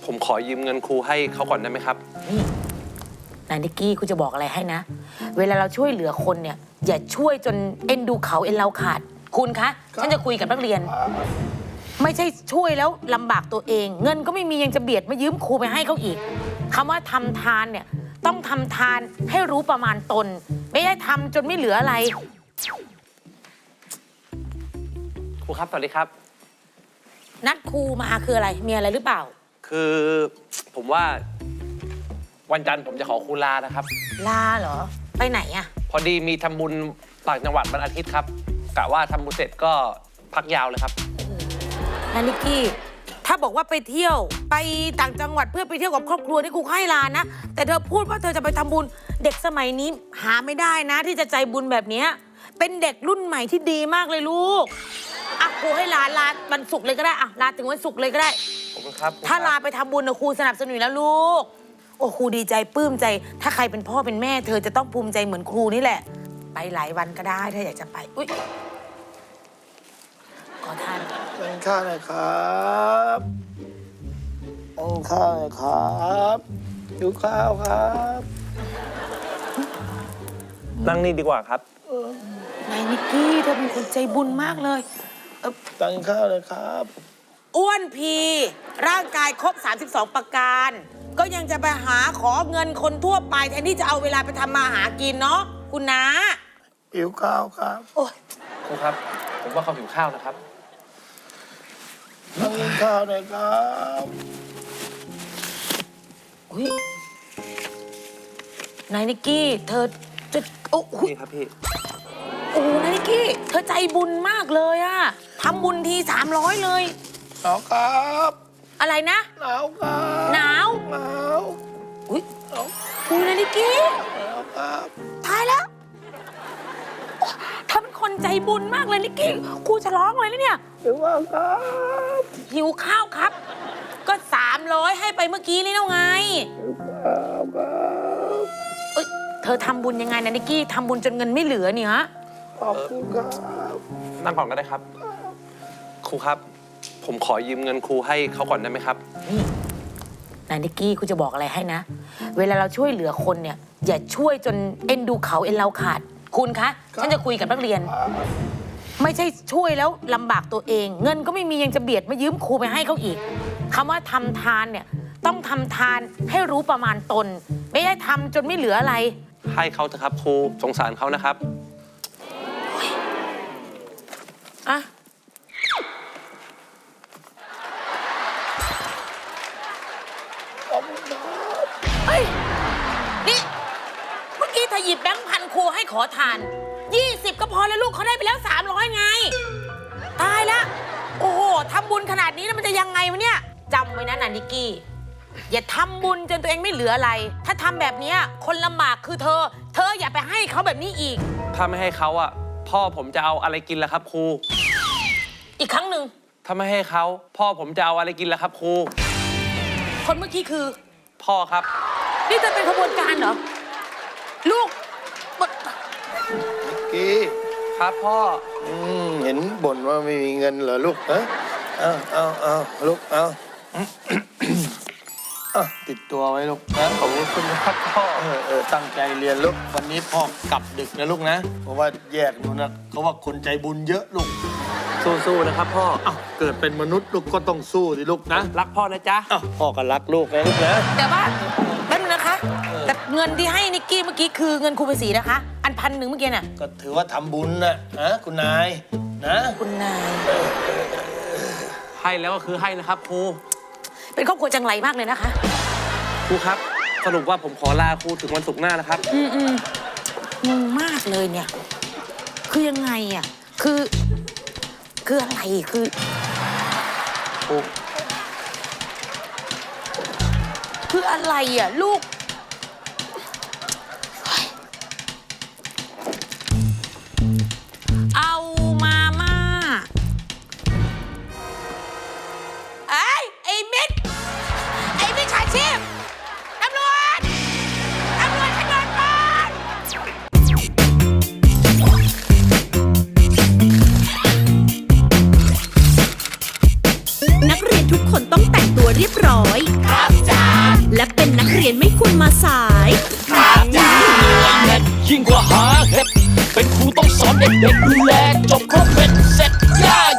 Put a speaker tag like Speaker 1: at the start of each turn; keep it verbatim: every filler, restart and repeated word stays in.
Speaker 1: ผมขอยืมเงินครูให้เขาก่อนได้ไหมครับ
Speaker 2: นี่นายนิกกี้กูจะบอกอะไรให้นะเวลาเราช่วยเหลือคนเนี่ยอย่าช่วยจนเอ็นดูเขาเอ็นเราขาดคุณคะฉันจะคุยกับนักเรียนไม่ใช่ช่วยแล้วลำบากตัวเองเงินก็ไม่มียังจะเบียดมายืมครูไปให้เขาอีกคำว่าทำทานเนี่ยต้องทำทานให้รู้ประมาณตนไม่ได้ทำจนไม่เหลืออะไร
Speaker 1: ครูครับสวัสดีครับ
Speaker 2: นัดครูมาคืออะไรมีอะไรหรือเปล่า
Speaker 1: คือผมว่าวันจันทร์ผมจะขอครูลานะครับ
Speaker 2: ลาเหรอไปไหนอะ
Speaker 1: พอดีมีทำบุญต่างจังหวัดวันอาทิตย์ครับกะว่าทำบุญเสร็จก็พักยาวเลยครับ
Speaker 2: นานิกกี้ถ้าบอกว่าไปเที่ยวไปต่างจังหวัดเพื่อไปเที่ยวกับครอบครัวนี่ครูให้ลานะแต่เธอพูดว่าเธอจะไปทำบุญเด็กสมัยนี้หาไม่ได้นะที่จะใจบุญแบบนี้เป็นเด็กรุ่นใหม่ที่ดีมากเลยลูกอ่ะครูให้ลาลาวันศุกร์เลยก็ได้อ่ะลาถึงวันศุกร์เลยก็ได้
Speaker 1: ขอบคุณครับ
Speaker 2: ถ้าลาไปทำบุญนะครูสนับสนุนแล้วลูกโอ้ครูดีใจปลื้มใจถ้าใครเป็นพ่อเป็นแม่เธอจะต้องภูมิใจเหมือนครูนี่แหละไปหลายวันก็ได้ถ้าอยากจะไปอุ๊ยขอทาน
Speaker 3: กินข้าวหน่อยครับกินข้าวหน่อยครับหิวข้าวครับ
Speaker 1: นั่งนี่ดีกว่าครับ
Speaker 2: นายนิกกี้เธอเป็นคนใจบุญมากเลย
Speaker 3: กินข้าวเลยครับ
Speaker 2: อ้วนพีร่างกายครบสามสิบสองประการก็ยังจะไปหาขอเงินคนทั่วไปแทนที่จะเอาเวลาไปทำมาหากินเนาะคุณน้า
Speaker 3: หิวข้าวครับ
Speaker 2: โอ้ย
Speaker 1: ครูครับผมว่าเขาหิวข้าวนะครับ
Speaker 3: กินข้าวเลยครับ
Speaker 2: อุ้ยนายนิกกี้เธอจะโอ้โห
Speaker 1: นี่ครับพี่
Speaker 2: โอ้นายนิกกี้เธอใจบุญมากเลยอะทำบุญทีสามร้อยเลย
Speaker 3: หนาวครับ
Speaker 2: อะไรนะ
Speaker 3: หนาวครับ
Speaker 2: หนาว
Speaker 3: หนาว
Speaker 2: อุ้ยอุ้ยนายนิกกี้
Speaker 3: หนาวครับ
Speaker 2: ตายแล้วเธอเป็นคนใจบุญมากเลยนิกกี้ครูจะร้องเลยนะเนี่ย
Speaker 3: หิวข้าวครับ
Speaker 2: หิวข้าวครับก็สามร้อยให้ไปเมื่อกี้นี่แล้วไง
Speaker 3: หิวข้าวครับ
Speaker 2: เอ้ยเธอทำบุญยังไงนะนิกกี้ทำบุญจนเงินไม่เหลือเนี่ยฮะ
Speaker 3: ขอบคุณครับ
Speaker 1: นั่งก่อนก็ได้ครับครูครับผมขอยืมเงินครูให้เขาก่อนได้ไหมครับ
Speaker 2: นี่นายนิกกี้ครูจะบอกอะไรให้นะเวลาเราช่วยเหลือคนเนี่ยอย่าช่วยจนเอ็นดูเขาเอ็นเราขาดคุณคะฉันจะคุยกับนักเรียนไม่ใช่ช่วยแล้วลำบากตัวเองเงินก็ไม่มียังจะเบียดมายืมครูไปให้เขาอีกคำว่าทำทานเนี่ยต้องทำทานให้รู้ประมาณตนไม่ได้ทำจนไม่เหลืออะไร
Speaker 1: ให้เขาเถอะครับครูสงสารเขานะครับ
Speaker 2: อะเฮ้ยนี่เมื่อกี้เธอหยิบแบงค์พันครูให้ขอทานยี่สิบก็พอแล้วลูกเขาได้ไปแล้วสามร้อยไงตายแล้วโอ้โหทำบุญขนาดนี้แล้วมันจะยังไงวะเนี่ยจำไว้นะนันนิกกี้อย่าทำบุญจนตัวเองไม่เหลืออะไรถ้าทำแบบนี้คนลำบากคือเธอเธออย่าไปให้เขาแบบนี้อีก
Speaker 1: ถ้าไม่ให้เขาอ่ะพ่อผมจะเอาอะไรกินล่ะครับครู
Speaker 2: อีกครั้งหนึ่ง
Speaker 1: ถ้าไม่ให้เขาพ่อผมจะเอาอะไรกินล่ะครับครู
Speaker 2: คนเมื่อกี้คือ
Speaker 1: พ่อครับ
Speaker 2: นี่จะเป็นขบวนการเหรอลูก
Speaker 3: นิกกี้
Speaker 1: ครับพ่อ
Speaker 3: อืมเห็นบ่นว่าไม่มีเงินเหรอลูกเออเอาเอาเอาลูกเอาอ่ะติดตัวไว้ลูกนะ
Speaker 1: ขอบคุณครับพ่อ
Speaker 3: เออเออตั้งใจเรียนลูกวันนี้พ่อกลับดึกนะลูกนะเพราะว่าแยกนู่นนะเขาว่าคนใจบุญเยอะลูก
Speaker 1: สู้ๆนะครับพ่อ
Speaker 3: อ้าวเกิดเป็นมนุษย์ลูกก็ต้องสู้สิลูกนะ
Speaker 1: รักพ่อนะจ๊ะ
Speaker 3: อ้าวพ่อก็รักลูกนะลูกนะ
Speaker 2: แต่ว่าแป๊บนึงนะคะแต่เงินที่ให้นิกกี้เมื่อกี้คือเงินครูภาษีนะคะอันพันหนึ่งเมื่อกี้น่ะ
Speaker 3: ก็ถือว่าทำบุญนะนะคุณนายนะ
Speaker 2: คุณนาย
Speaker 1: ให้แล้วก็คือให้นะครับครู
Speaker 2: เป็นครอบครัวจังไรมากเลยนะคะ
Speaker 1: ครูครับสรุปว่าผมขอลาครูถึงวันศุกร์หน้านะครับ
Speaker 2: อืมอืมงงมากเลยเนี่ยคือยังไงอ่ะคือคืออะไรคือ
Speaker 1: ครู
Speaker 2: คืออะไรอ่ะลูกเอามาม่าไอ้ไอ้มิดไอ้มิดฉาชีพตำรวจตำรวจให้เงินก่อน
Speaker 4: นักเรียนทุกคนต้องแต่งตัวเรียบร้อยและเป็นนักเรียนไม่ควรมาสาย
Speaker 5: ยิ่งกว่าหาเห็ดเป็นครูต้องสอนเด็กๆดูแลจบครบเป็นเสร็จย่า